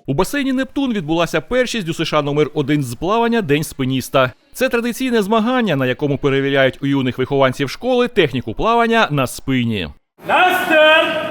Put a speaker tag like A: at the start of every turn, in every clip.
A: У басейні «Нептун» відбулася першість у США номер 1 з плавання «День спиніста». Це традиційне змагання, на якому перевіряють у юних вихованців школи техніку плавання на спині.
B: На старт!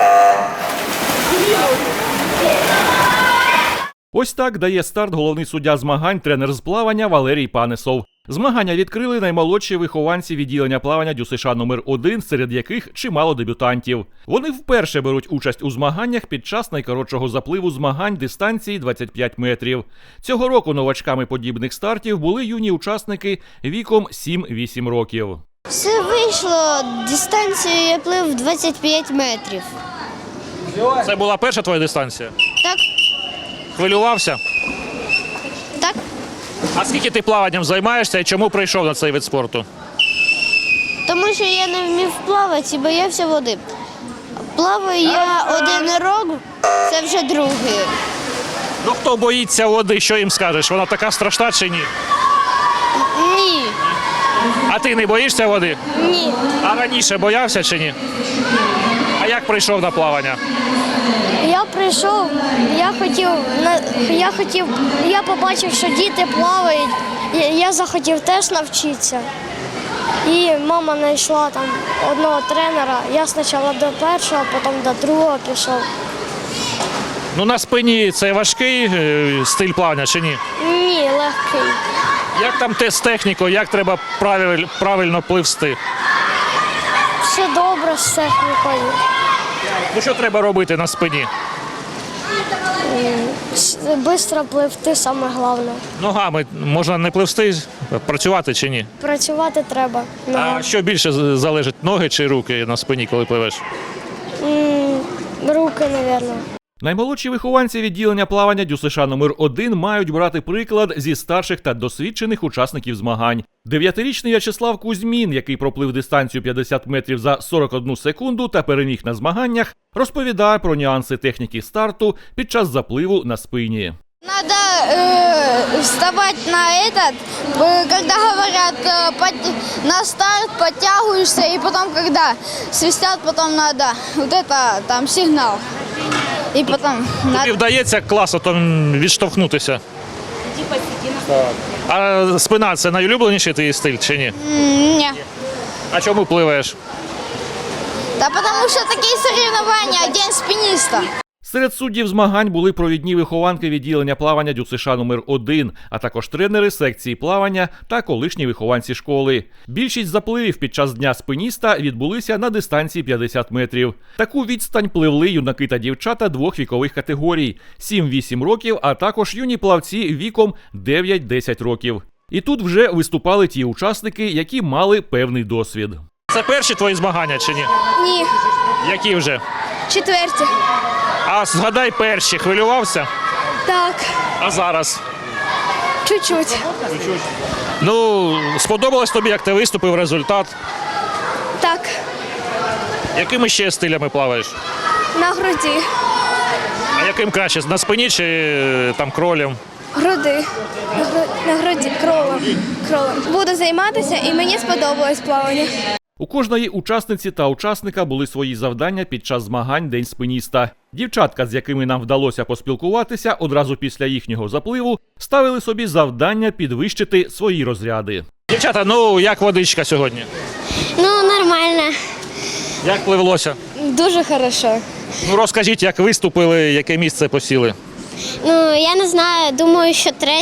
A: Ось так дає старт головний суддя змагань, тренер з плавання Валерій Панесов. Змагання відкрили наймолодші вихованці відділення плавання ДЮСШ номер 1, серед яких чимало дебютантів. Вони вперше беруть участь у змаганнях під час найкоротшого запливу змагань дистанції 25 метрів. Цього року новачками подібних стартів були юні учасники віком 7-8 років.
C: Все вийшло, дистанцію я плив 25 метрів.
D: Це була перша твоя дистанція?
C: Так,
D: Хвилювався?
C: так.
D: А скільки ти плаванням займаєшся і чому прийшов на цей вид спорту?
C: Тому що я не вмів плавати і боявся води. Плаваю я 1 рік, це вже другий.
D: Ну хто боїться води, що їм скажеш? Вона така страшна чи ні?
C: Ні,
D: А ти не боїшся води?
C: ні.
D: А раніше боявся чи ні? А як прийшов на плавання?
C: Я прийшов, я побачив, що діти плавають, я захотів теж навчитися. І мама знайшла там одного тренера, я спочатку до першого, потім до другого пішов.
D: Ну на спині це важкий стиль плавання чи ні?
C: Ні, легкий.
D: Як там з технікою, як треба правильно пливсти?
C: Все добре з технікою.
D: Ну що треба робити на спині?
C: Швидко пливти саме головне.
D: Ногами можна не пливсти, працювати чи ні?
C: Працювати треба.
D: А що більше залежить, ноги чи руки на спині, коли пливеш?
C: Руки, мабуть.
A: Наймолодші вихованці відділення плавання ДЮСШ номер 1 мають брати приклад зі старших та досвідчених учасників змагань. 9-річний В'ячеслав Кузьмін, який проплив дистанцію 50 метрів за 41 секунду та переміг на змаганнях, розповідає про нюанси техніки старту під час запливу на спині.
C: Надо вставать на этот, когда говорят на старт, подтягиваешься, и потом, когда свистят, потом надо вот это, там сигнал. І потім
D: Тобі вдається класно там відштовхнутися? А спина – це найулюбленіший твій стиль чи ні?
C: Ні.
D: А чому пливаєш?
C: Та тому що такі соревновання, День спиніста.
A: Серед суддів змагань були провідні вихованки відділення плавання ДЮСШ номер 1, а також тренери секції плавання та колишні вихованці школи. Більшість запливів під час Дня спиніста відбулися на дистанції 50 метрів. Таку відстань пливли юнаки та дівчата 2 вікових категорій – 7-8 років, а також юні плавці віком 9-10 років. І тут вже виступали ті учасники, які мали певний досвід.
D: Це перші твої змагання чи ні?
C: Ні,
D: Які вже?
C: 4.
D: А згадай перші, хвилювався?
C: Так,
D: А зараз?
C: чуть-чуть.
D: Ну, сподобалось тобі, як ти виступив, результат?
C: Так,
D: Якими ще стилями плаваєш?
C: на груді.
D: А яким краще, на спині чи там кролем?
C: Груди. На груді, кролом. Буду займатися і мені сподобалось плавання.
A: У кожної учасниці та учасника були свої завдання під час змагань День спиніста. Дівчатка, з якими нам вдалося поспілкуватися одразу після їхнього запливу, ставили собі завдання підвищити свої розряди.
D: Дівчата, ну як водичка сьогодні?
C: Ну, нормально.
D: Як пливлося?
C: Дуже хорошо.
D: Ну розкажіть, як виступили, яке місце посіли?
C: Ну, я не знаю, думаю, що 3.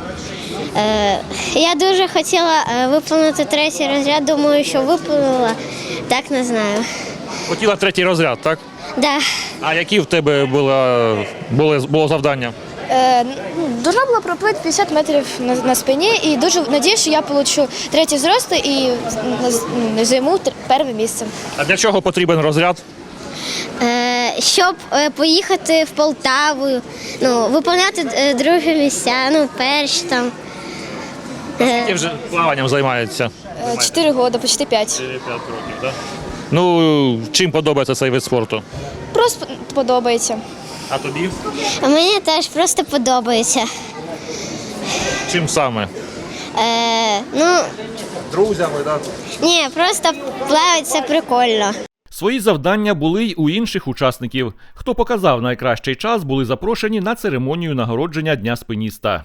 C: Я дуже хотіла виповнити 3-й розряд, думаю, що виповнила, так не знаю.
D: Хотіла 3-й розряд, так?
C: Да.
D: А які в тебе було завдання?
C: Должна була проплити 50 метрів на спині і дуже сподіваюся, що я отримаю 3-й зрости і займу 1-е місце.
D: А для чого потрібен розряд?
C: Щоб поїхати в Полтаву, виконувати 2 місця, перші там.
D: Скільки вже плаванням займаються?
C: 4 роки, почти 5.
D: 4-5 років, так? Ну, чим подобається цей вид спорту?
C: Просто подобається.
D: А тобі?
C: Мені теж просто подобається.
D: Чим саме?
C: Ну,
D: Друзями, так?
C: ні, просто плавати це прикольно.
A: Свої завдання були й у інших учасників. Хто показав найкращий час, були запрошені на церемонію нагородження Дня спиніста.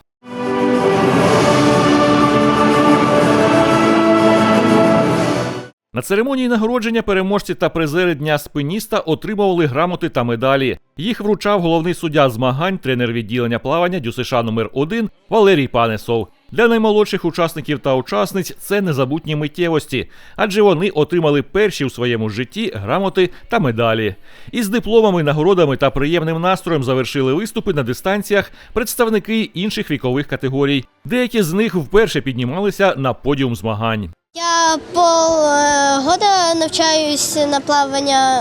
A: На церемонії нагородження переможці та призери Дня спиніста отримували грамоти та медалі. Їх вручав головний суддя змагань, тренер відділення плавання ДЮСШ номер 1 Валерій Панесов. Для наймолодших учасників та учасниць це незабутні миттєвості, адже вони отримали перші у своєму житті грамоти та медалі. Із дипломами, нагородами та приємним настроєм завершили виступи на дистанціях представники інших вікових категорій. Деякі з них вперше піднімалися на подіум змагань.
B: Я полгода навчаюсь на плавання.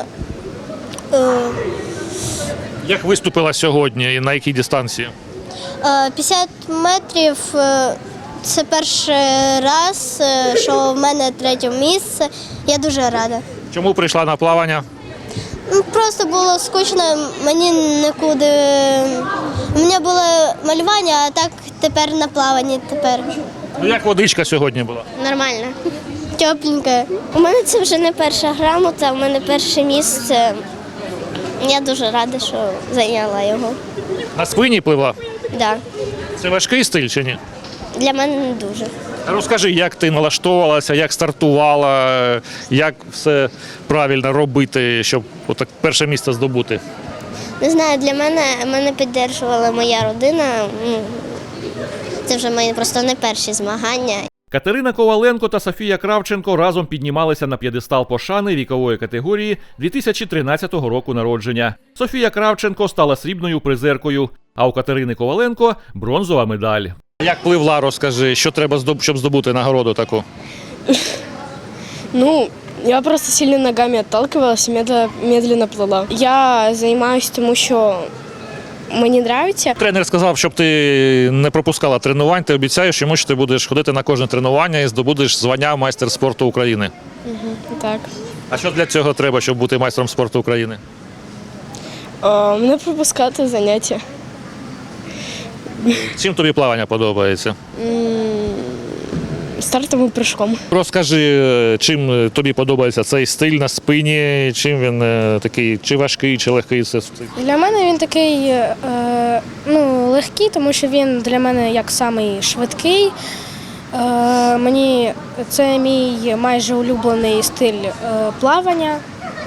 D: Як виступила сьогодні і на якій дистанції?
B: 50 метрів – це перший раз, що в мене третє місце. Я дуже рада.
D: Чому прийшла на плавання?
B: Просто було скучно, мені нікуди. У мене було малювання, а так тепер на плаванні тепер.
D: Ну, як водичка сьогодні була?
B: Нормально. Тепленьке. У мене це вже не перша грамота, у мене перше місце. Я дуже рада, що зайняла його.
D: На спині пливла?
B: Да.
D: Це важкий стиль чи ні?
B: Для мене не дуже.
D: Розкажи, як ти налаштовувалася, як стартувала, як все правильно робити, щоб отак перше місце здобути?
B: Не знаю, для мене підтримувала моя родина. Це вже мої просто не перші змагання.
A: Катерина Коваленко та Софія Кравченко разом піднімалися на п'єдестал пошани вікової категорії 2013 року народження. Софія Кравченко стала срібною призеркою, а у Катерини Коваленко – бронзова медаль.
D: Як пливла, розкажи, що треба, щоб здобути нагороду таку?
E: Ну, я просто сильно ногами отталкивалась и медленно плыла. Я занимаюсь тому, що мені подобається.
D: Тренер сказав, щоб ти не пропускала тренувань, ти обіцяєш йому, що ти будеш ходити на кожне тренування і здобудеш звання майстер спорту України.
E: Так.
D: А що для цього треба, щоб бути майстром спорту України?
E: Не пропускати заняття.
D: Чим тобі плавання подобається?
E: Стартовим прыжком.
D: Розкажи, чим тобі подобається цей стиль на спині, чим він такий, чи важкий, чи легкий це стиль?
E: Для мене він такий легкий, тому що він для мене як самий швидкий. Це мій майже улюблений стиль плавання.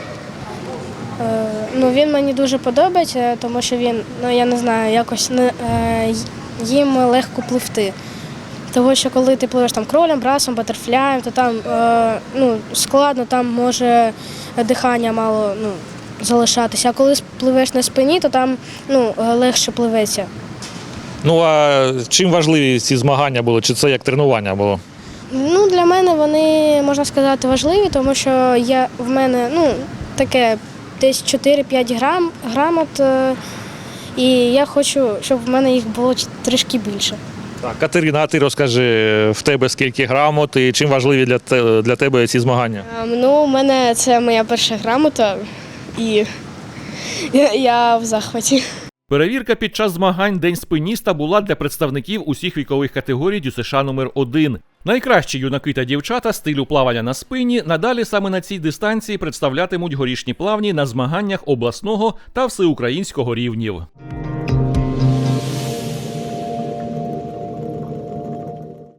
E: Він мені дуже подобається, тому що він, я не знаю, якось їм легко пливти. Тому що коли ти пливеш там кролем, брасом, батерфляєм, то там складно, там може дихання мало залишатися. А коли пливеш на спині, то там легше пливеться.
D: Ну а чим важливі ці змагання були? Чи це як тренування було?
E: Для мене вони, можна сказати, важливі, тому що в мене таке десь 4-5 грамот, і я хочу, щоб в мене їх було трішки більше.
D: Так, Катерина, а ти розкажи, в тебе скільки грамот і чим важливі для тебе ці змагання?
E: У мене це моя перша грамота, і я в захваті.
A: Перевірка під час змагань День спиніста була для представників усіх вікових категорій ДЮСШ номер 1. Найкращі юнаки та дівчата стилю плавання на спині надалі саме на цій дистанції представлятимуть горішні плавні на змаганнях обласного та всеукраїнського рівнів.